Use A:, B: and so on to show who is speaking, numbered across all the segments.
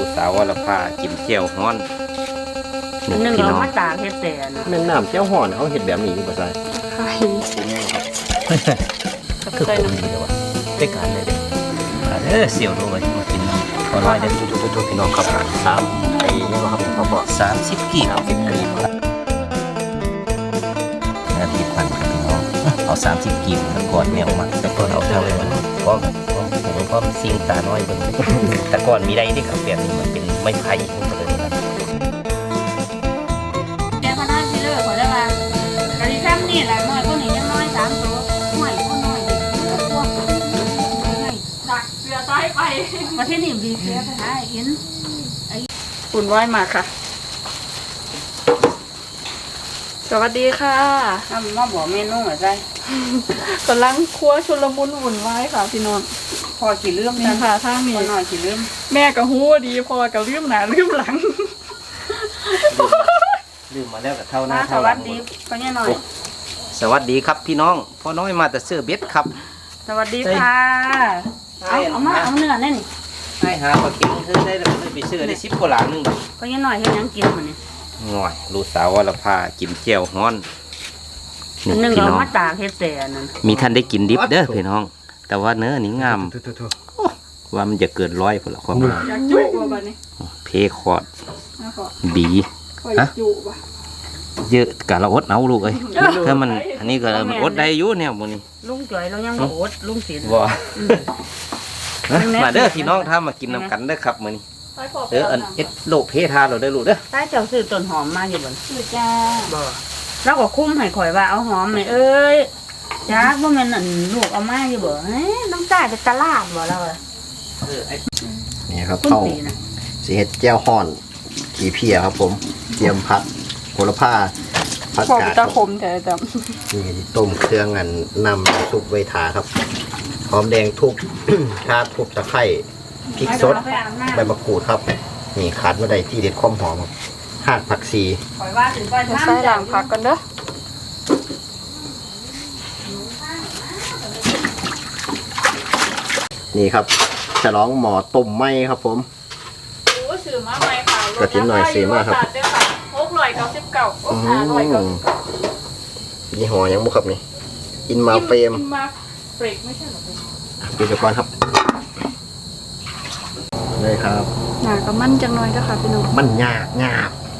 A: ลูกสาววรภากินเจียวฮ้อน
B: นึ่ง
A: พี่
B: เรา
A: น้อง
B: มาตากเฮ็ดแต่นะ
C: แม่น้ำเจ้าห่อนเขาเห็ดแบบนี้อยู่ป่ะใส่
B: ใช่
A: คือ
B: ใส่
A: คน
B: น้ำ
A: ดีเลยวะได้การเลยเด้อเสี่ยวด้วยมากินขอร้อยเด้อทุกพี่น้องครับ3ไอ้นี่ว่าครับเขาบอก30กีบนาทีพันครับพี่น้องเอา30กีบก่อนแมวมาแล้วก็เอาเท่าเลยมันก็ผมก็ซิงตาน้อยเบิ่งแต่ก่อนมีได้ที่ขับแบบนี้มันเป็นไม้ไผ่ทั้งหมดเลยนะ
B: แกพนันที่เลิกขอได้มากะดิซ้ำนี่แหละน้อยคนนี้ยังน้อย3ตัวห่วยคนน้อยก็ตัวดักเสือซ้ายไปประเทศนี้ดีเสือไปหาเห็นไอ้ฝุ่นว่ายมาค่ะสวัสดีค่ะมาบอกเมนูหน่อยใจกำลังครัวชุลมุนวุ่นวายค่ะพี่น้องพอกี่เรื่องนี่ค่ะทางนี้หน่อยกี่เรื่องแม่กับฮู้ดีพอกับเรื่องหนาเรื่องหลัง
A: ลืมมาแล้วกับเท่าหน้า
B: ส
A: เท่าห
B: วั
A: ลั
B: ส
A: ง
B: ดีพ่อเนี่ยหน่อย
A: สวัสดีครับพี่น้องพ่อน้อยมาแต่เสื้อเบ็ดครับ
B: สวัสดีค่ะเอามาเอาเนื้อแน่นี่
A: ให้หาปลาเค็งเธอได้แล้วไปซื้อได้10กว่าหลานึง
B: พ่อเนี่ยหน่อยเฮ็ดหยังกินมันนี่
A: ง่อยลูกสาววรภากินเจียวฮ้อนนี่
B: นึ่ง
A: พี่
B: เรา
A: น้อง
B: มาตากเฮ็ดแต่นั่น
A: มีท่านได้กินดิบเด้อพี่น้อง แต่ว่าเนื้อนี่งามว่ามันจะเกิน100พุ่นละความงาม
B: อยากจุบ่บัดนี้
A: เพคอร์ด
B: นะขอ
A: บี
B: อยากจุบ่
A: เยอะกะเราอดเอาลูกเอ้ยถ้ามันอันนี้ก็มันอดได้อยู่เนี่ยมื้อนี้
B: ลุงจ่อยเรายังบ่อดลุงศิลป์
A: บ่มาเด้อพี่น้องถ้ามากินน้ำกันเด้อครับมื้อนี้อันเอ็ดโลกเพทาเราเด้อลูกเด้อ
B: ถ้าเจ้าซื้อต้นหอมมาอยู่บ่ซื้อจ้าบ่แล้วก็คุ้มให้ข่อยว่าเอาหอมนี่เอ้ยจ้าบ่แม่นอันลูกเอามาอยู่บ่เฮ้ยน้องจ่ายไปตลาดบ่แล้วอะ
C: นี่ครับ
B: คุณ
C: เข้า
B: สีนะ
C: สีเห็ดแจ้วห่อนขี่เพียครับผมเตรียมผัดโหระพาผัด
D: ขอบ
C: กาด
D: ตะขมแต่จ
C: นี่ต้มเครื่องอันนำซุปไว้ทาครับหอมแดงทุบ ข่าทุบตะไคร้พริกสดใบมะกรูดครับนี่ขาดไม่ได้ที่เด็ดความหอมครับหากผักชี
B: ข่อยว่าถึงก่อน
D: ำจะใส่หลังพักกันเด้อ
C: นี่ครับฉลองหมอต้มไหมครับผม
D: โอ้ซื้อมาใหม่ค่ะ
C: กระถิ่นหน่อยซื้อมาครับ
D: 699โอ้
C: อืมยี่ห้อยังบุครับนี่อินมาเฟรม
D: อินมาเฟรกไม่ใช่หรอ
C: ดูเดี๋ยวก่อนครับเลยครับ
D: หนาก็มั่นจังหน่อยเด้อค่ะพี่น้อง
C: มันยาก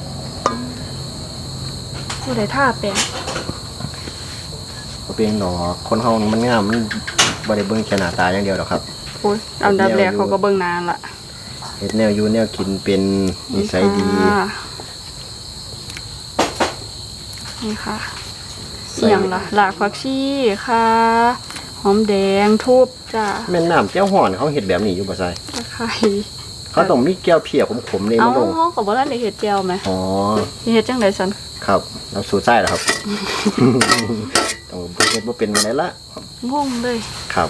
D: ผู้ใดท่าเป็น
C: บ่เป็นดอกคนเฮามันงามมันบ่ได้เบิ่งแค่หน้าตาอย่างเดียวหรอกครับ
D: โอ้ยอันดับแรกเขาก็เบิ่งนานละ
C: เฮ็ดแนวอยู่แนวกินเป็นนิสัยดี
D: ค่ะนี่ค่ะเสียงล่ะหลากผักชีค่ะหอมแดงทูบจ้า
C: แม่น้ำเจ้าห่อนเขาเฮ็ดแบบนี้อยู่บ่ใส่
D: ตะไคร้
C: เขาต้องมีแก้วเพียขมๆนี่
D: เอา
C: มันลง
D: ห้องกับว่าท่านได้เห็ดเจียวไหม
C: อ๋อ
D: เห็ดจังไดสัน
C: ครับเราสูตรไส้เหรอครับ ต้องเฮ็ดบ่เป็นมาได้ละ
D: งงเลย
C: ครับ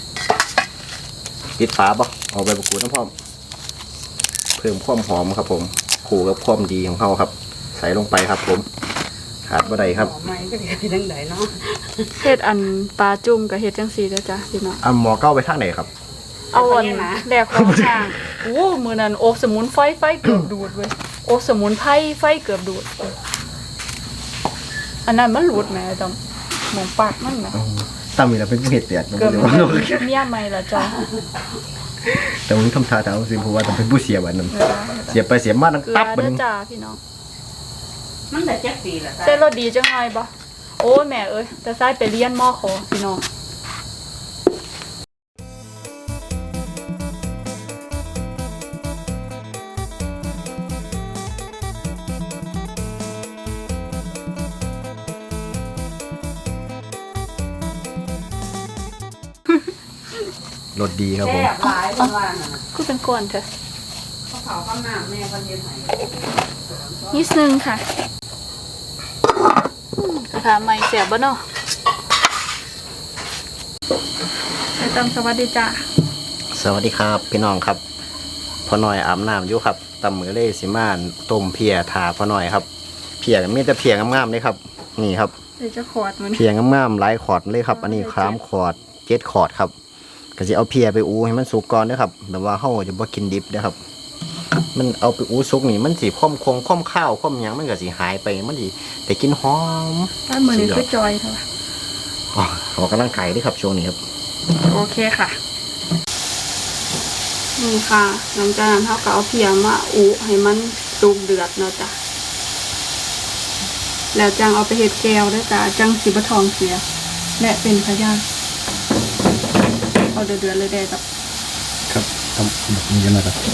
C: ปิดฝาบ่เอาใบมะกรูดน้ำพร้อมเพิ่มความหอมครับผมคู่กับความดีของเขาครับ ใส่ลงไปครับผมขาดบ่ได้ครับ
B: หอมไหมก็สิไปทางใดเนาะ
D: เห็ดอันปลาจุ่มกับเห็ดจังสีเด้อจ้าพี่น้อง
C: อ่ะหมอเก้าไปทางไหนครับ
D: เอาอันแหลกของช่างโอ้มือนั้นโอกสมุนไฟเกือบดูดเว้ยโอกสมุนไฟเกือบดูดอันนั้นมันหลุดแหม่จำหมองปากมันแหม
C: ตั้มมีแล้วเป็นเห็ดเตียด
D: เกือบเมียใหม่ละจ้า
C: แต่ผมทำท่าแต่เอาสิเพราะว่าต้องเป็นผู้เสียบัดนั้นเสียไปเสียมาตั้ง
D: เกลื
C: ตั
D: อบ
C: บัด
D: เด้อ
C: นึง
D: จ้าพี่น้อง
B: มันได้จักปีละ
D: เส้นรสดีจังไงบ่โอ้แม่เอ้ยแต่ซ้ายไปเรียนมอขอพี่น้อง
C: รสดีครับผม
B: แซ่บหลายเพิ่นว่าน่ะ
D: ก็เป็นก้อนเถอะ
B: เขาเผาข้าวหน้าแม่เพิ่นเฮ็ดให้
D: นิดนึงค่ะกระทะใหม่เสียบบ่เนาะไปตามสวัสดีจ้า
C: สวัสดีครับพี่น้องครับพ่อหน่อยอาบน้ำอยู่ครับตำมือเล่สิมานต้มเพียถาพ่อหน่อยครับเพียมีแต่เพียงามๆเลยครับนี่ครับ
D: เดี๋ยวจะขอดมัน
C: เพียงามๆหลายขอดเลยครับ อันนี้3ขอด7ขอดครับก็จะเอาเพียไปอูให้มันสุกก่อนเด้อครับแบบว่าเฮาจะบ่กินดิบเด้อครับมันเอาไปอู้ซุกนี่มันสิค่อมข้าวค่อมหยังมันก็สิหายไปมันสิแต่กินหอม
D: ถ้ามือนี้คือจอยเท่าไหร่
C: อ๋อออกกำลังกายด้วยครับช่วงนี้ครับ
D: โอเคค่ะนี่ค่ะหลังจากนั้นเขาก็เอาเพียมาอุให้มันสุกเดือดเนาะจ้ะแล้วจังเอาไปเฮ็ดแก้วด้วยจ้ะจังสิบะทองเสียและเป็นพยานเอาเดือดๆเลยได้กับ
C: ครับทำแบบนี้กันนะครับ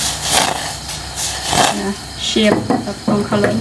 D: นะเชฟกับตรงเขาเลย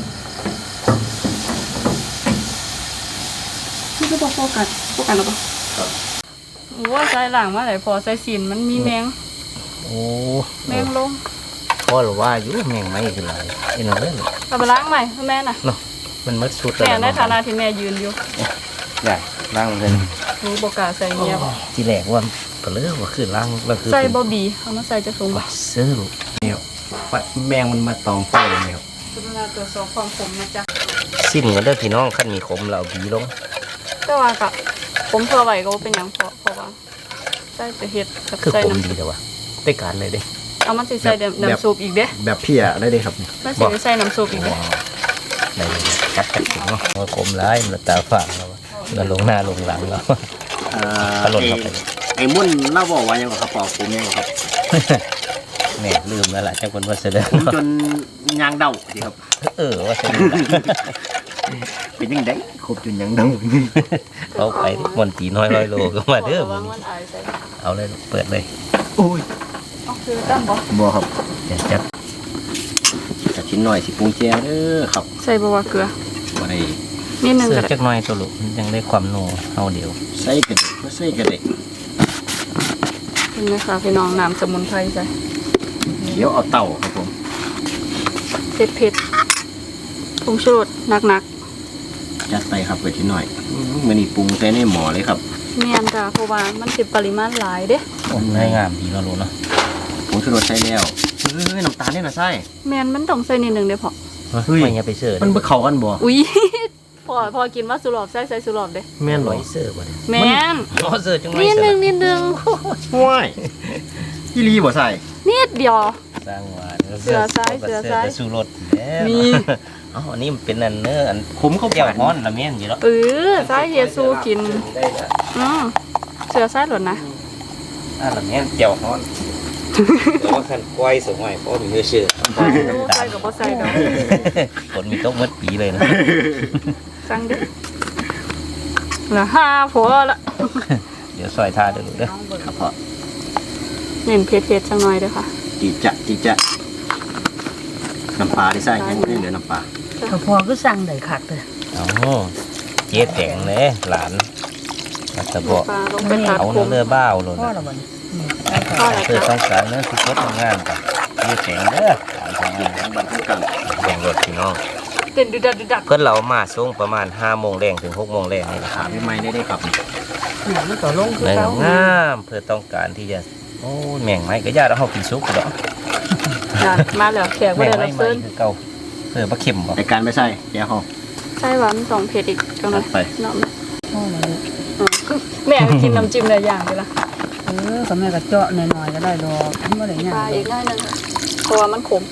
D: นี่ก็บอกโฟกัสหรือเปล่าว่าใส่หลังมาไหนพอใส่สินมันมีแมง
C: โอ้
D: แมงลง
C: พ่อหรือว่าอยู่แมงไม่คืออะไรเอ็นเอาเลย
D: เอาไปล้างใหม่ให้แม่น่ะ
C: เนาะมันมัดสุด
D: แม่ในฐานะที่แม่ยืนอยู่
C: ใหญ่ล่างเลย
D: รู้โอกาสใส่เงียบ
A: ที่แรกว่าเปลือกว่าคือล่างแล้วคือ
D: ใส่บอบีเอามาใส่จะสูงบ่
A: เสื้อลูก
C: เนี่ยแมงมันมาตองไฟเลยครับ
D: กรุณาตรวจสอบความขมนะจ๊ะ
A: สิ้นกันเด้อพี่น้องขั้นมีขมเราบีลง
D: แต่ว่ากับผมเพื่อไหวก็บ่เป็นหยังเพราะว่าใส่จะเฮ็ดกับ
A: คือ
D: ใส่
A: ขม
D: น้ำ
A: ดีแต่ว่าได้การเลยเด้
D: เอามันสิใส่น้ำซุปอีกเด้
C: แบบพี่อะได้เลยครับ
D: มันสิได้ใส่น้ำซุปอีกเด้
A: ว้าวได้จัดถึงเนาะขมร้ายมันตาฝางแล้วมันลงหน้าลงหลังแล้วตลดเข้าไป
C: ไอ้มุ่นเล่าบอกว่ายังครับปอกผมยังครับ
A: แม่ลืมแล้วล่ะเจ้าคนว่าเสด็จ
C: ผมจนยางเดาสิครับ
A: ว่าเสด็จ
C: เป็นยังไงครบจนยางเดา
A: เขาไปมนตีน้อยร้อยโลก็มาเด้อ
D: ระวังมันอายใส่
A: เอาเลยเปิดเลย
C: โอ้ย
D: เอาคือตั้มบ่
C: บ่ครับ
A: เดี๋ยวจัด
C: จะชิ้นหน่อยสิปรุงแจวเด้อครับ
D: ใส่บ่ว่าเกลือ
C: บ่ได้
D: นิดนึง
A: เสื้อ
D: ก็ได้
A: จักหน่อยตัวลูกมันยังได้ความโน่เอาเดี๋ยว
C: ใส่กระเดกใส่กระเดก
D: เห็นไหมคะพี่น้องน้ำสมุนไพรใส่
C: เขียวเอาเต่าครับผม
D: เผ็ดผงชูรสหนัก
C: จัดไปครับไปชิ้นหน่อยมื้อนี้ปรุงใส่ในหม้อเลยครับ
D: ๆเมียนจ้ะเพราะว่ามันสิปริมาณหลายเด้
A: ได้งามดีเนาะลูกเนาะ
C: ผงชูรสใส่แล้วน้ำตาลเนี่ยนะใส่
D: แม่นมันต้องใส่นิดนึงเด้พอ
A: ไม่อย่าไปเสื้อ
C: มันบ่เข้ากันบ่
D: อุ้ย พอกินว่าสุรอบใส่สุรอบเด้
C: แม่น
A: ล
C: บ่
A: อยเสื้อบ่ได้
D: แม่น
A: อ๋อเสื้อจังไร
D: นิด
A: เสื้
D: นึ
A: อง
C: ว้ายอีหลีบ่ใส่
D: นิดเดียว
A: สร้างหวาน
D: เสื้อซ้ายเสื้อซ้าย
A: สู้รถแล้ว
D: มี
A: อ๋ออันนี้มันเป็นอันเนื้ออัน
C: ขมเข้า
A: เจียว
C: ปาก
A: ฮ้อนละเมียนอยู่แล้ว
D: สายเยซูกิน
A: ได้ละ
D: เสือซ้ายหล่นนะ
A: ละเมียนเจียวฮ้อนแต่ว่าคันก้อยสมัยพ่อมีเนื้อเชื่อ
D: ใส่กับบ่ใส่ดอก
A: ฝนมีตกเมื่อปีเลยนะ
D: สั่งเด้อละห้าพอละ
A: เดี๋ยวซอยท่าเด้อลูกเด้อ
C: ครับพ่อ
D: เน้นเผ็ดๆจังหน่อยเด้อค่ะ
C: จีจะน้ำปลาที่ใส่ยังไม่เหลือน้ำปลา
B: พอก็สั่งได้คักเลย
A: เอาเจ๊แต่งเลยหลานมาตะบอก
D: ปลาลงไปตัด
A: เอา
D: ผ
A: เนื้อ
D: ม
A: เลือบ้าวเลย
B: พ่อ
A: นะ
B: ละวัน
D: พ่ออะไร
A: เพื่อ
D: คะ
A: ต้องการเนื้อที่สดงามกับเจ๊แต่งเด้อหลานทำงาน
C: ทั้งบันทั้งกัน
A: แบ่งรถพี่น้อง
D: เต้นดึก
A: เพื่อนเรามาช่วงประมาณ5 โมงแรงถึง6 โมงแรงนี่แหละ
C: ขาไม่ไหม้ได้ครับ
B: หนังต่อลงคือ
A: เนื้อ
B: เก่าง
A: ามเพื่อต้องการที่จะโอ้แม่งไม้ก็ญาติเอากินซุปก็ได้
D: นั่นมาแล้วแขกบ่
A: แม่ง
D: ได้
A: ไม้
D: รับ
A: ใหม่
D: เชิญ
A: คือเก่าเพื่อปลาเข็มบ่
C: ในการไม่ใส่แก้วหอม
D: ใส่หวาน2เผ็ดอีกจังหน่อย
C: ไป
D: เนาะ
B: พ่อละลูก
D: แม่ก็กินน้ำจิ้มหลายอย่างไปละ
B: ก็แม่ก็เจาะหน่อยๆก็ได้ดอกมันบ่ได้หยัง
D: ปลาอีกหน่อยนึงเพราะว่ามันขม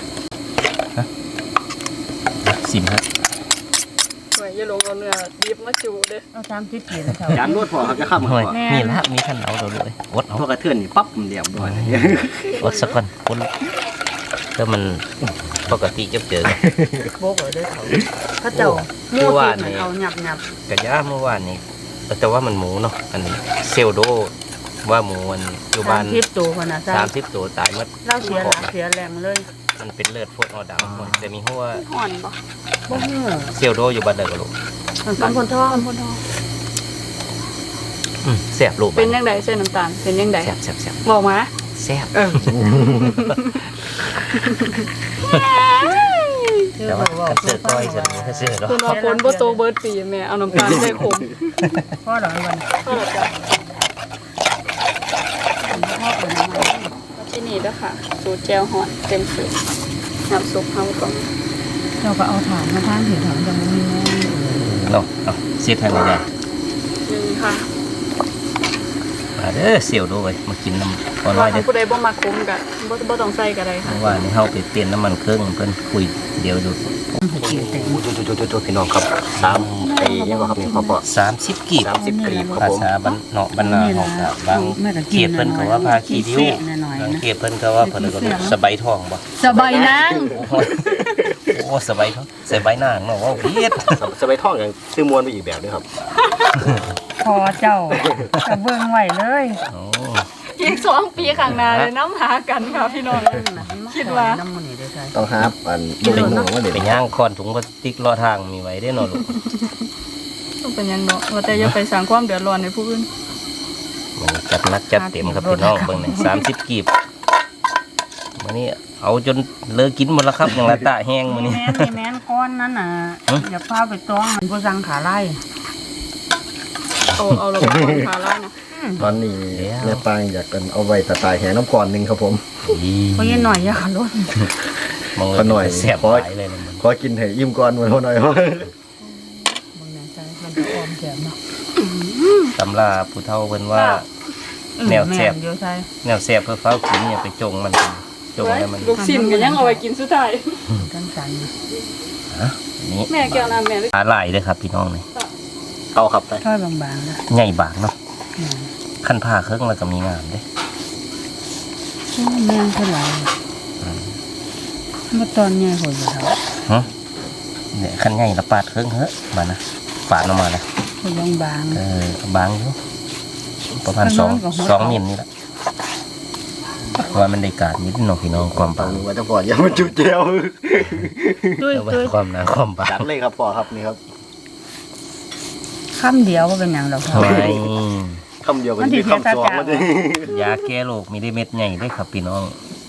A: สิมฮะ
D: ไว้อย่าลงเอาเนื้อดิบมาจูเด้อ
B: เอา30กิโลเท่า
C: จานรวดพอครับจะข้ามมา
A: หน่อย
C: ก่อน
A: มีละมีขันเอาเราเลยอดเอา
C: พอกระเทือนนี่ปั๊บเดียวด้วย
A: อดสักคนคนถ้ามันปกติจะเจอ
B: โบกเลยเด้อเขาเจ้าหมูติดมันเอาหยับ
A: กระยาเมื่อวานนี้แต่ว่ามันหมูเนาะอันนี้เซลโดว่าหมูมันอยู่บ้าน
B: 30ตัวพุ่นน่ะใส่
A: 30 ตัวตายหมด
B: เราเสียหลักเสียแรงเลย
A: มันเป็นเลือดพวกเอาดำแต่มีหัว
D: อ่อนบ่
B: บ่ฮู้
A: เซลโดอยู่บ้านเด็กลูก
B: มันคนท้อง
D: คนทอง
A: แซ่บลูก
D: เป็นยังไงเส้นน้ำตาลเป็นยังไง
A: แซ่บแซ่บแซ่บ
D: บอกมา
A: แซ่บ
D: เออ
A: แต่ว่าคันเสือก้อยจะคันเสือเนาะ
D: คุณว่าฝนบ่โตเบิร์ดปีแม่เอาน้ำตาลใส่ขม
B: พ่อละวัน
D: ก็แล้วจ้ะที่นี่เด้อค่ะสูตรแจ่วหอนเต็มสูตรน้ำซุปเฮาต้อง
B: เจ้าก็เอาถ่านมาทางถือถังจังมีแม่
A: เนาะเสียบให้หน่อยได้
D: หนึ่งค่ะ
A: เดี๋ยวว่าคันเสือก้อยจะคันเสือเนาะ
D: 2
B: เออ
D: เผ็ด
B: สำเร็จ
D: ๆ
B: ก็
D: ค่ะ
B: พอ
A: มาเด้อเสี่ยวด้วยมากินน้ำพอน้อยเด้อ
D: ผู้ใดบ่มาคุ้มกะบ่ต้องใส่ก็ได้ค่ะ
A: เมื่อวานนี้เฮาไปเปลี่ยนน้ำมันเครื่องเพิ่นคุยเดี๋ยวดู
C: จุพี่น้องครับ3ไอ้ยังบ่ครับนี่พ่อ
A: 30กีบ
C: 30กรีบครับ
A: ภา
C: ผม
A: ษาบ้านเนาะบ้านนาเฮาก็บางเขตเพิ่นก็ว่าพาขี้ริ้วบางเขตเพิ่นก็ว่าเพิ่นก็สบายทองบ่
D: สบายนาง
A: โอ้สบายทองสบายนางเนาะว่าเฮ็ด
C: สบายท่องกันซื้อมวนไปอีกแบบนึงครับ
B: พอเจ้าจะเบิ่งไว้เลย
A: โอ้
D: อีก2 ปีข้างหน้าเลยน้ำหากันค่ะพี่น้องคิดว่า
B: น้ำมันนี่ได้ใช่
C: ต้องหาอันลูกหนูมาเด็ด
A: ไปย่างคอนถุงพลาสติกรอทางมีไว้ได้อเนาะลูก
D: ต้องเป็นหยังเนาะว่าแต่อย่าไปสร้างความเดือดร้อนให้ผู้อื่น
A: มันจัดหนักจัดเต็มครับพี่น้องเบิ่งนี่30กีบมื้อนี้เอาจนเลิกกินหมดแล้วครับอย่างละตะแห้งมื้อนี้
B: แม่นก้อนนั้นน่ะอย่าพาไปต้องมันผู้สั่งขาไล่
D: เอาระบบของขาล่านะ
C: ตอนนี้แม่ปางอยากกันเอาไว้ตายแหน้ำก่อนนึงครับผม
B: เพราะยันหน่อยอย่าขาล้น
A: มอง
C: ขอหน่อย
A: แซ่บหลายเลยนะมัน
C: ขอกินให้อิ่มก่อนวันหน่อย
B: มึงแน่ใจมันจะออมแสบเนาะ
A: ตำราผู้เฒ่าเพิ่นว่า แนวแซ่บ
B: เดียวใช่
A: แนวแซ่บเพื่อเฝ้ากินอย่าไปจงมันจงให้มัน
D: ลูกชิ้นก็ยังเอาไว้กินสุดท้าย
B: กันสัน
A: นี่
D: แม่แก้วน้ำแม่เลย
A: ปลาไหลเลยครับพี่น้องนี่
C: เอาครับไป
B: ช่อยบางๆนะ
A: ใหญ่บางเนาะขั้นผ้าเครื่องแล้วก็มีงามเด้
B: แม่นเท่าไหร่เมื่อตอนใหญ่หัวอยู่แล้ว
A: ฮะเนี่ยขั้นใหญ่ละปาดเครื่องเฮ้มานะปาดออกมาเลย
B: หัวบาง
A: บางอยู่ประมาณ
B: ข้างนอกกับหัว
A: 2 มิลนี่แหละเพราะว่ามันได้การนิดหน่อยพี่น้องความ
C: ตอบ
A: าง
C: หนูไว้ตั้งก่อนอย่ามาจุดเจียว
B: ด้วย
A: เอาไว้
B: ด้วย
A: ความหนาความบา
C: จั
A: ง
C: ดเลยครับพ่อครับนี่ครับ
B: คำเดียวก็เป็นอย่างเรา
A: ทำไม
C: คำเดียวกันที่คำสองมันจะ
A: ยาแก้โรคมีได้เม็ดใหญ่ได้ครับพี่น้อง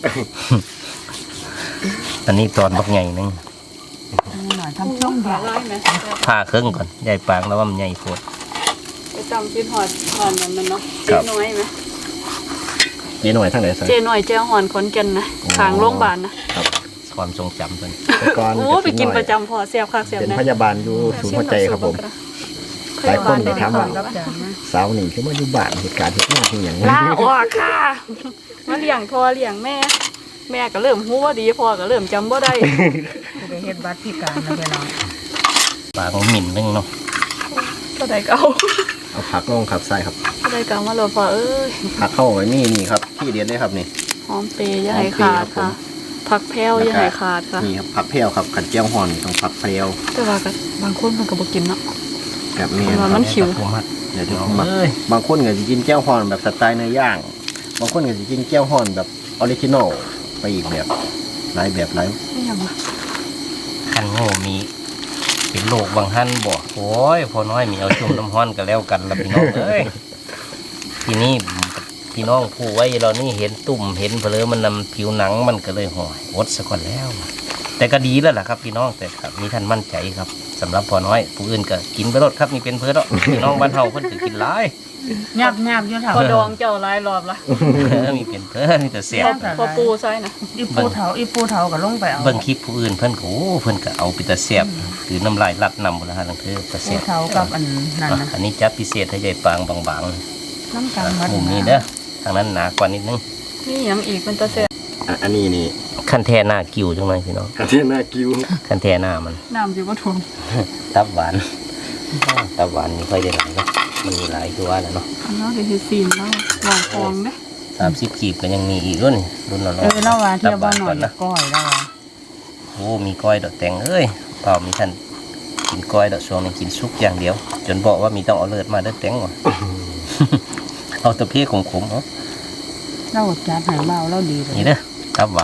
A: อันนี้ตอนบักใหญ่นึง
B: หน่อยทำช่องเดี
D: ขา
B: ยว
D: ล่าไหม
A: ผ่าเครื่องก่อนใหญ่ปางแล้วว่ามันใหญ่โคตร
D: ไปจำคิดหอดนั่นมันเนาะ
A: ครั
D: เจ๊
A: บ
D: น้อยไหม
C: นี่หน่อยทั้งไหนสิ
D: เจ๊น้อยเจ๊หอนขอนแก่นนะขางโรงพยาบาลนะ
A: ความทรงจำเพิ่น
C: ก่อน
D: โอ้ไปกินประจำพอเสียบคักเสียบ
C: เป็น
D: นะ
C: พยาบาลอยู่ศูนย์หัวใจครับผม หลายคนเลยถามว่า
B: กับจานนะ
C: สาวนี่คือว่าอยู่บ้านเหตุการณ์ที่น่าที่อย่างนี้
D: ลาออกค่ะมาเลี้ยงพ่อเลี้ยงแม่ แม่ก็เริ่มหูว่าดีพ่อก็เริ่มจำว่าได้
B: จะไปเฮ็ดบัตรพิการนะไปลอง
A: ปางหมิ่นนึงเนาะ
D: ก็ได้เก่า
C: เอาผักลงครับใส่ครับ
D: ก็ได้เก่ามาเลยพ่อเอ้ย
C: ผักเข้าไว้นี่ครับที่เดียนเลยครับนี่
D: หอมเปย์อย่าให้ขาดค่ะ ผักแพรวอย่าให้ขาดค่ะ
C: นี่ครับผักเพรียวครับขัดเจียวห่อนต้องผักเพรียว
D: แต่ว่าก็บางคนมันก็บ่กินเนาะ
C: แบบนี้
D: มันมันขิว
A: ผู้มัด
C: เดี๋ยวจะ
A: น้อง
C: มา
A: เอ้ย
C: บางคนก็จะกินแก้วห่อนแบบสไตล์เนื้อย่างบางคนก็จะกินแก้วห่อนแบบออริจินอลไปอีกแบบหลายแบบหลาย
D: ไม่ยังวะ
A: คันโง่มีเป็นโรคบางท่านบอกโอ้ยพอน้อยมีเอาชุ่มน้ำห้อนกันแล้วกันละพี่น้องเอ้ยทีนี้พี่น้องผู้ไว้เรานี่เห็นตุ่มเห็นเพลอมันนำผิวหนังมันก็เลยห่อยอดซะก่อนแล้ว แต่ก็ดีแล้วล่ะครับพี่น้องแต่ครับมีท่านมั่นใจครับสำหรับพอน้อยผู้อื่นก็กินไปรดครับนี่เป็นเพื่อนเนาะพี่น้องบ้านเฮาเพิ่นก็กินหลาย
B: ยับอยู่เถา
D: พอดองเจ้าหลายรอบละ
A: มีเป็นเพื่อนมีแต่เสีย
D: พอปูใส่นะ
B: อีปูเถาก็ลงไปเอา
A: เบิ่งคลิปผู้อื่นเพิ่นก็โอ้เพิ่นก็เอาไปแต่เสียบคือน้ำลายลัดนำบ่ละฮะลังเธอแต่
B: ปู
A: เสียบ
B: เถากับอันนั้นนะ
A: อันนี้จัดพิเศษให้ยายปางบาง
B: น้ำกันวัด
A: ๆมุมนี้เด้อทางนั้นหนากว่านิดนึง
D: นี่หยังอีกเป็นตาแซ่บ
C: อันนี้นี่
A: ขั้นแท้หน้ากิ้วจังเลยพี่น้อง
C: กระเทียมหน้ากิ้ว
A: ขั้นแท้หน้ามัน
D: น้ำสิบ่ท่วม
A: ตับหวานตับหวานนี่ค่อยได้หลายเนาะมันมีหลายตัวแล้วเนาะ
D: อันนั้นสิเฮ็ดซีนแล้ววางฟองเด้
A: 30กีบก็ยังมีอีกรุ่นรุ่นละร้อย
B: เล่าว่าเที่ยวบ้านหน่อย
A: ก่อนนะ
B: ก้อยแล้วว่า
A: โอ้มีก้อยดอกแตงเอ้ยเปล่ามีท่านกินก้อยดอกช่วงนี้กินซุปอย่างเดียว จนบอกว่ามีต้องเอาเลือดมาเด้อแตงว่ะ เอาตะเพียขมๆเอา
B: เล่าจัดให้เบาเล่าดีเลย
A: นี่เด้อตับหวาน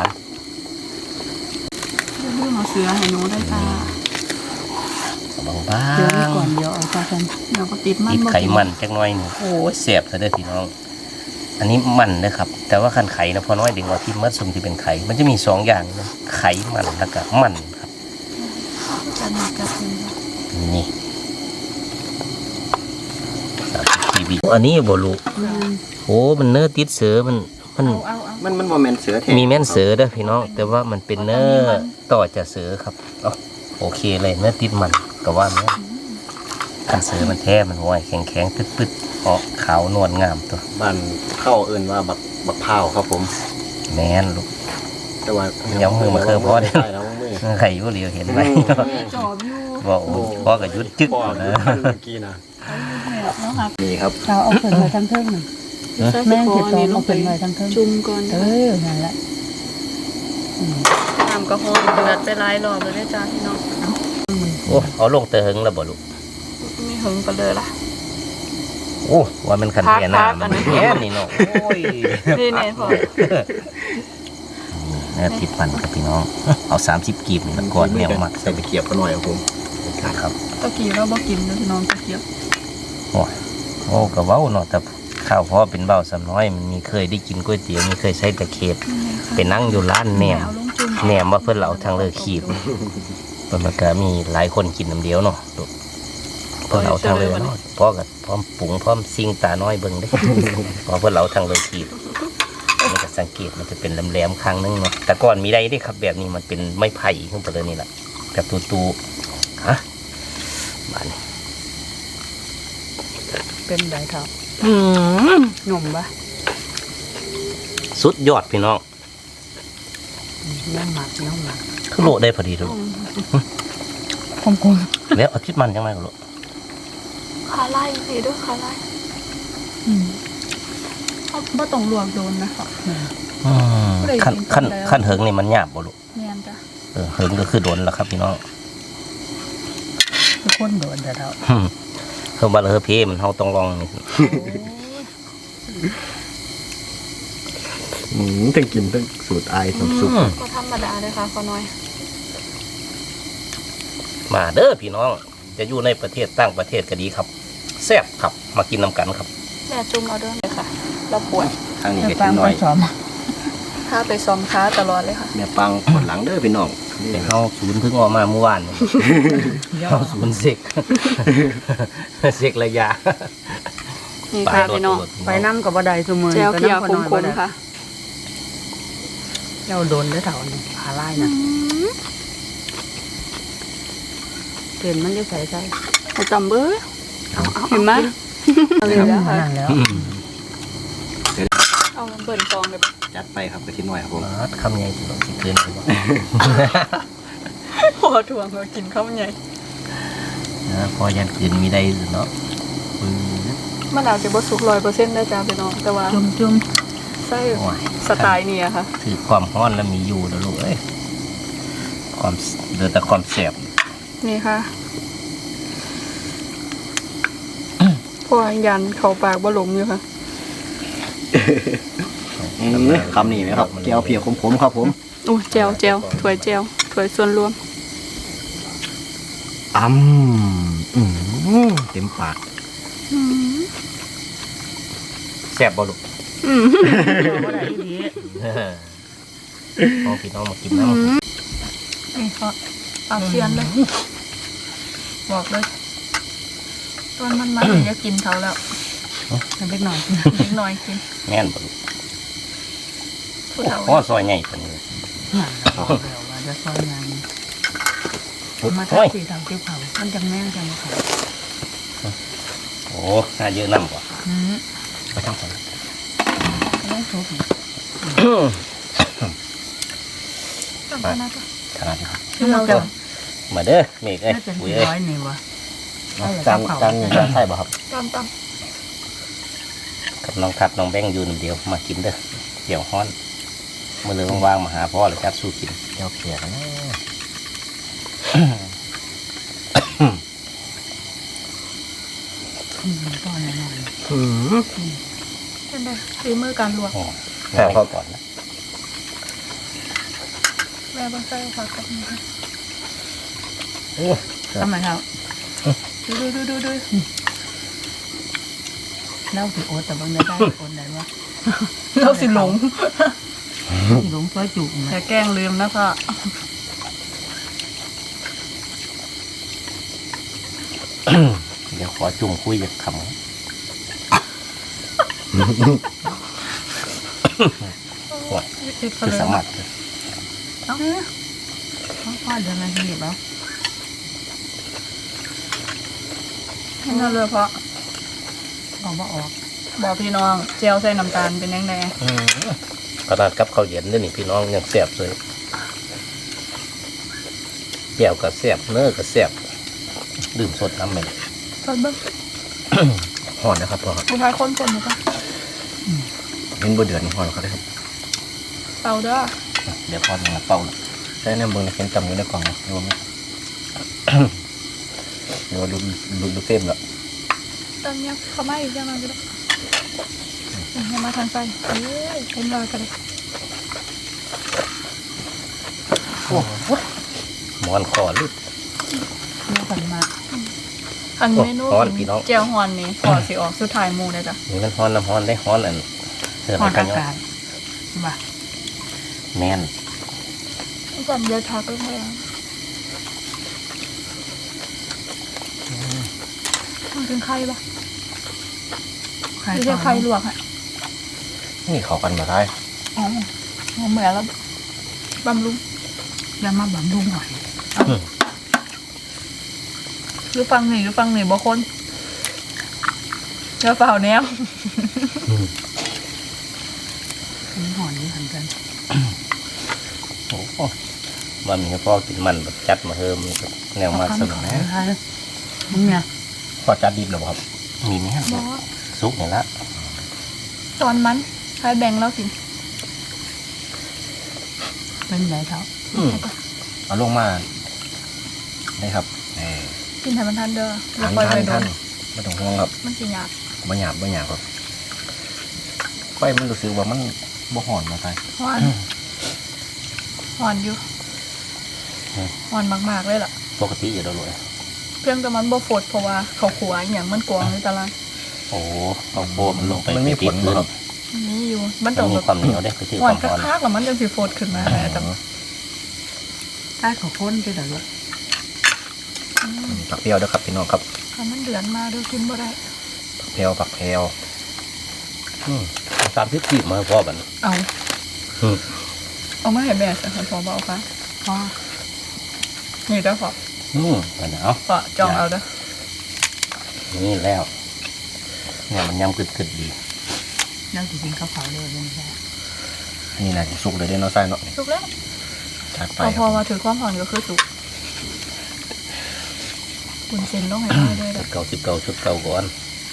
D: เรื่องเอาเสือให้หนูได้ค่ะ
A: บาง
B: เดี๋ยวนี้ก่อนเดี๋ยวเอาตากัน
D: เดี๋ยวก็ติดมัน
A: ติด
D: บ่
A: ไขมันจักหน่อยหนึ่งโอ้ยเสียบซะเด้อพี่น้อง อันนี้มันนะครับ แต่ว่าคันไข่นะพอน้อยดึงเอาที่มัดซุมที่เป็นไข่ มันจะมี2อย่างนะไขมันแล้วก็มันครับ
D: จัดหนักจัดเต็ม
A: นี่30 GB อันนี้บ่รู้โอ้มันเนื้อติดเสือมัน
B: เอา
C: มันโมเมนต์เสือแท้
A: มีแม่นเสือเด้อพี่น้อง แต่ว่ามันเป็นเนื้อต่อจากเสือครับเอาโอเคเลยเนื้อติดมันก็ว่าแม่นกระเสือมันแท้มันห้อยแข็งๆตึ๊ดๆออกขาวนวลงามตัว
C: บ้านเข้าเอิ้นว่าบักพร้าวครับผม
A: แม่นลูก
C: แต่ว่า
A: ยังมือมาเคยพอได้
C: ใช่แล้วมือ
A: ใครอยู่เหลียวเห็นไหม
B: จอบอยู่
A: บอกโอ้พ่อกับยุดจึ๊ก
C: พ่อ
A: เล
C: เมื่
A: ย
C: อกี้นะ
B: แล้วค่ะ
C: นี่ครับ
E: เราเอาผลไว้ทั้งเทิงหนึ่ง
D: แม่
E: แม่ง
D: สิ
E: สิ
D: ขอ
E: ตอ
D: นี่
E: ม
D: ล
E: เอา
D: ง
E: ผ
D: ไป
E: ลไว้ทั้งเทิง
D: จุ่มก่อน
E: นั่นแหละ
D: น้ำก็ฮ้อนเดือดไปหลายรอบเลยนะจ้าพี่น้อง
A: โอ้เอาลงเตะหึงแล้วบ่ลูก
D: ไม่หึงกันเลยล่ะ
A: โอ้ว่ามันขันแก่หน้า
D: พักๆ
A: มัน
D: อันนี้
A: แก่นี่เนาะโอ้ย
D: นี่แน่พอ
A: เนื้อติดมันครับพี่น้องเอา30กีบนี่ละก่อนแนวมัก
C: ใส่ตะเกียบกันหน่อยครับผม
A: ครับ
D: ตะกี้เราบ่กินนะพี่น้องตะเกียบ
A: โอ้ก็เว้าเนาะแต่ข้าวพ่อเป็นเบ้าสำน้อยมันมีเคยได้กินก๋วยเตี๋ยวมีเคยใช้ตะเข็บไปนั่งอยู่ร้านแหนม
D: เอาลงจุ่ม
A: แหนมว่าเพื่อนเราทางเลิกขีดเพิ่นก็มีหลายคนกินน้ำเดียวเนาะลูกเพื่อนเราทางเลิกเนาะพ่อกับพร้อมปรุงพร้อมซิ่งตาน้อยเบิ่งเด้ พอเพื่อนเราทางเลิกขีดมันก็สังเกตมันจะเป็นแหลมๆครั้งนึงเนาะแต่ก่อนมีได้เด้ครับแบบนี้มันเป็นไม้ไผ่ขึ้นไปเลยนี่แหละแบบตูๆฮะบ้านนี้
E: เป็นไดเท่าหนุ่มปะ
A: สุดยอดพี่น้อง
E: น้ำหมัก
A: คือโลได้พอดีทุก
E: คม
A: แล้วเอาทิศมันยังไงก็โล
D: ขาไล่นี่ด้วยขาไล่เขาบ่ต้องลวกโดนนะคะ
A: ขั้นเหิงนี่มันหยาบบ่ลูก
D: แม่นจ้ะ
A: เหิงก็คือโดนแล้วครับพี่น้อง
E: คือคนโดนแต่เรา
A: เพิ่มบาเลอเพมันเฮาต้องลองนี่
C: ทั้งกินทั้งสูตรไอายน้ำซุป
D: ก็ธรรมดาเลยค่ะขอน้อย
A: มาเด้อพี่น้องจะอยู่ในประเทศต่างประเทศก็ดีครับแซ่บครับมากินน้ำกันครับ
D: แม่จุ่มเอาเด้อเลยค่ะ เราปวด
C: ทางนี้
E: จะ
C: เห็ด
E: ฟัง
C: หน่
E: ไป
C: อย
E: สอม
D: ถ้าไปซ้อมค้าตลอดเลยค่ะ
C: แม่ปังปวดหลังเด้อพี่น้องนี่
A: เฮาศูนย์เพิ่งออกมาเมื่อวานนี่เฮาศูนย์เสก เสกระยะ
D: นี่ค่ะพี่น้อง
E: ไปน้ำกับบัไดสมือ
D: แจวเขียวคมๆค่ะ
E: เจ้าโดนได้เท่านี่ขาไล่นะเปลี่ยนมันจะใส่ใส่
D: เอาจำเบ้อเห็นไหมเอาเลยแล้วค่ะ
E: นั่นแล้ว
D: เอาเบิ่นฟองเลย
C: จัดไปครับกระทิหน่อยครับผม
A: คำใหญ่ที่เราสิเกินไปบ่
D: พอถ่วงมากินข้าวใหญ่
A: พอยันคืนมีได้เนาะ
D: มันอาจจะบ่สุก100%ได้จ้าพี่น้องแต่ว่า
E: จุ่ม
D: ไส้
A: โอ้ย
D: สไตล์นี้อะค่ะ
A: ถือความร้อนแล้วมีอยู่แล้วลูกเอ้ยความเดือแต่ความแสบ
D: นี่ค่ะพอยันเข้าปากบ่หลมอยู่ค่ะ
C: คำนี้ไหมครับแก้วเพียวขมๆครับผม
D: โอ้แจวถ้วยแจวถ้วยส่วนรวม
C: เต็มปาก
A: แสบบ่ลูก
E: ๆบัไดดี
A: น้องพี่น้องมากินน้ำ
D: นี่ค่ะปากเซียนเลยบอกเลยตอนมันมาจะกินเขาแล้ว
E: ทำเล็กหน่อย
D: นิดหน่อยกิน
A: แม่นบ่ลูก
D: ผู้เฒ่า
A: โอ้ซอยใหญ่ปานนี้
E: นั่นแล้วว่าจะซอยงานมา
A: โอ้ย
E: ทำสีทำจิ้วเผามันจังแม่งจังเขา
A: โอ้น่าเยอะน้ำกว่าไปทางก่อน
E: ต้องทุบ
D: ต้องขนาด
A: ขนาดนี้ครับ
E: เราจะ
A: มาเด้อเมฆเอ้ย
E: น่าจะ
A: ปุ๋ยเอ้ย
E: 100นี่วะ
C: จังใช่ป่ะครับ
D: ตาม
A: กับน้องทัดน้องแบงค์อยู่หนึ่งเดียวมากินเด้อเดี๋ยวฮ้อนเมื่อเรื่องว่างๆมาหาพ่อเลยจัดสู้กิน
C: แก้วเพียวนะ
E: ตอนนั้น
D: เป็นไงฝีมือการลวก
A: โอ้ง่ายก่อนนะ
D: แม่บ้านใส่ผักกับนี่ค่ะ
E: ทำไมครับ
D: ดู
E: เล่าสิโอ๊ตแต่บางได้โอ๊ตไหนวะ
D: เราสิหลง
E: หลงซอยจุก
D: แต่แกล้งลืมนะพ่อ
A: เดี๋ยวขอจุ่มคุยจากคำ คือสามารถ
E: พ่อเดินมาที่นี่เปล่า
D: ให้น่าเลยเพราะ
E: ออกมาออก
D: บอกพี่น้องเจียวใส่น้ำตาลเป็นยังไง
A: ขนาดกับข้าวเย็นนี่พี่น้องยังแซ่บเลยแจ่วก็แซ่บเนื้อก็แซ่บดื่มสดน้ำเหม็น
D: สดเบิ้ง
C: ห่อนนะครับพ่อครับ
D: ผู้ชายคนคนนี่ปะ
C: เห็นบ่เดือดห่อนเขาได้ครับ
D: เป่าเด้อ
A: เดี๋ยวพอมาเป่าละ
C: ใช้น้ำเบิ่งเห็นตำอยู่ในกล่องนะรวมไหมเดี๋ยวดูเต็มแล้ว
D: ตอนนี้เขาไม่อีกยังไงก็ได้ยังมาทางไฟเอ้ยเป็นรอยกันเลย
A: หมอนคอลึก
E: เนื้อสันมา
D: อันเมนู
A: ฮ้อนพี่น้อง
D: เจียวฮอนนี่ขอสิออกสุดท้ายหมูเลยจ้ะ
A: นี่มันฮ้อนน้ำฮ้อนได้ฮ้อนอันเสิร์ฟ
E: หอ
A: ให้
E: น
A: กั
E: อาน
A: เนาะ
E: กาศว่า
A: แม่น
D: จำเยอะทักเลยค่ะมันเป็นไข่ปะ
E: ใคร
D: ไม่ใช่ไข่ลวกฮะ
C: นี่เขากันมาได้
D: อ๋อเหมือนแล้วบำรุง
E: ยามาบำรุงหอย
D: หรือฟังหนี่บ่คนเนื้อเปล่าแนว
E: มีหอยนี่เหมือนกัน
A: โอ้โหว่ามีพ่อกินมันแบบจัดมาเพิ่มแนวมาสนุกนะ
E: ใช่มึงเนี่ย
A: พ่อจัดดิบหรอครับมีไหมฮะ
D: บ่
A: ซุปเนี่ยละ
D: ตอนมันใครแบ่งแล้วกิน
E: เป็นไรเท้า
C: เอาลงมาได้ครับ
D: กินให้มันทันเด้อแล้
C: ทา
D: วน ปล่อยไป
C: ท่าน
D: โด
C: ท่าน นไม่ต้องห่วงครับ
D: มันสิยาก
C: บ่หยาบครับไฟมันรู้สึกว่ามันบ่ห่อนมาไป
D: ฮ้อนฮ้อนอยู่ฮ้อนมากๆเลยล่ะ
A: ปกติอยู่แล้วเลย
D: เพียงแต่มันบ่ฟดเพราะว่าเขาขัวอหย่างมันกวางในตาราง
A: โอ้เอาโบมันลงไป
C: มันมีผ
A: ติ
C: ล
A: ด
C: บ่
A: พื้น
C: ครับ
D: นี่อยู่มัน
A: มั
D: ต้อน ง
A: มี
D: แบบ
A: ความเหนียวได้ไปถือ
D: ห
A: คว
D: าน
A: วามร้อน
D: คักๆแล้วมันจังสิฟดขึ้นมาแต่
E: ใต้ของคนจะเดือด
C: ผักเปรี้ยวด้วยครับพี่น้องครับ
D: ถ้ามันเดือนมาเดี๋ยวกินบ่ได้
C: ผักแพรว
A: 30 กีบมาให้พ่อบัน
D: เอา
A: อืม
D: เอามาให้แม่สักคนพอบ่เอาค่ะ
E: พ่อ
D: นี่เด้อพอ
A: อันนี้เอา
D: พอจองเอาเด้อ
A: นี่แล้วเนี่ยมันยำกึดๆดี
E: แล้วจริงๆเขาเผาเลยไม่ใช่
C: อันนี้น่าจะสุกเลยได้เนาะไส้เนาะ
D: สุกแล้ว
C: จัดไป
D: พอ
C: ค
D: พอ
C: รับ
D: มาถือความผ่อนก็คือสุกบุญเส้นต้องให้ได้ด้วย
A: ชุ
D: เด้
A: ด
D: อ
A: เก่า10 ชุดเก่าก่อน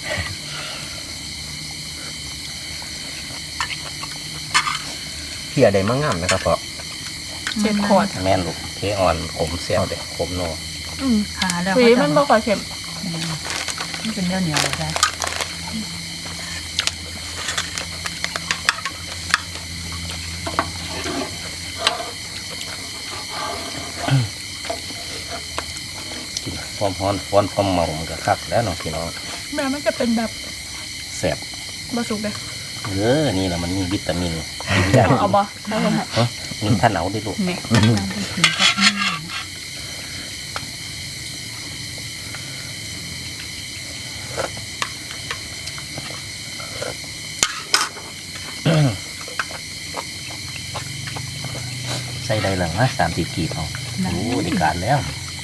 C: เพียได้มางามนะครับเพราะ
D: 7 ขวด
A: แม่นลูกเทอ่อนขมเสียวเด็ขมโน
E: ขาแล้ว
D: สีมันบ่ค่อยเข้ม
E: มันเป็นเนื้อเหนียวใช่
A: กินความร้อนความเมามันก็คักแล้วน้องพี่น้อง
D: แม่มันจะเป็นแบบ
A: แซ่บ
D: บ่สุกเด้อ
A: นี่แหละมันมีวิตามิน
D: เอาบ่ได้ลงให้
A: มีท่านเอาดิลูก
D: นี่
E: การไปกินกับนี่
A: ใส่ได้หลังนะ30 กีบเอาโอ้ได้การแล้ว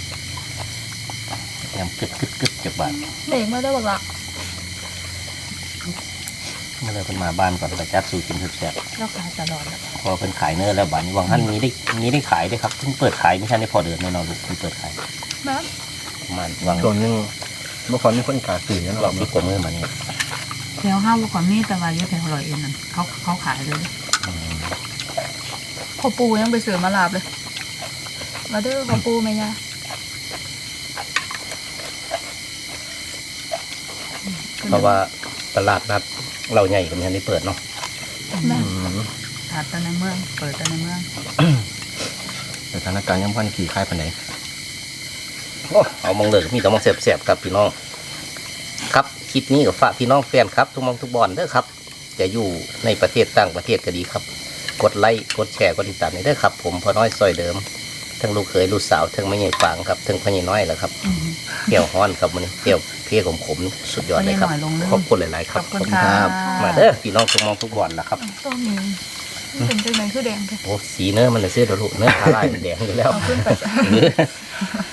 A: ยำกึดจับบาท
D: เด็กมาได้บักละ
A: เมื่อไรเพิ่นมาบ้านก่อนไปจัดสู่กินแซ่บ
E: แล้วขายตลอดแล้ว
A: พอเพิ่นขายเนื้อแล้วบ้านนี้วังท่านมีได้ขายด้วยครับเพิ่งเปิดขายไม่ใช่ในพอเดือนแน่นอนลูกเพิ่งเปิดขาย
D: แม่
A: ประมาณวัง
C: ตัวนึงเมื่อก่อนมีคนกาตื่นนะ
A: ร
C: ร
A: อ
C: อ
A: บบ ที่กว่ามือมานี่
E: แถวห้าวก่อนนี่แต่ว่าเยอะแถวอร่อยเองนั่นเขาขายเลย
D: พ่อปูยังไปซื้อมาลาบเลยมาเด้อพ่อปูแม่ย่า
A: เพราะว่าตลาดนัดเราใหญ่กว่านี้ได้เปิดเนาะ
D: แม่
E: ขาดแต่ในเมืองเปิดแต่ในเมือง
C: สถานการณ์ยังพันขี่ค่ายไปไหน
A: โอ้เอามองเลยมีแต่มองแซ่บๆครับพี่น้องครับคลิปนี้กับฝากพี่น้องแฟนครับทุกมองทุกบอลเด้อครับจะอยู่ในประเทศต่างประเทศก็ดีครับ กดไลค์กดแชร์กดติดตามนี่เด้อครับผมพอน้อยซอยเดิมทั้งลูกเขยลูกสาวทั้งแม่ใหญ่ฟางครับทั้งพ่อใหญ่น้อยแหละครับเปรี้ยวฮ้อนครับมันเปรี้ยวเพี้ยขมๆสุดยอดเลยครับ
E: พ่อใหญ่น้อยลงเลย
A: ขอบคุณหลายๆค
E: ข
A: รั
E: อ
A: บบ
E: คุณครับ
A: มาเด้อพี่น้องทุกมองทุกบอลละครับ
D: ต้นนี้เป็นจังไหนคือแดงแท้
A: โอ้สีเนื้อมันเลยเสื้อดรุเนื้อทาลายมันแดงอยู่แล้ว
D: เอาขึ้นไป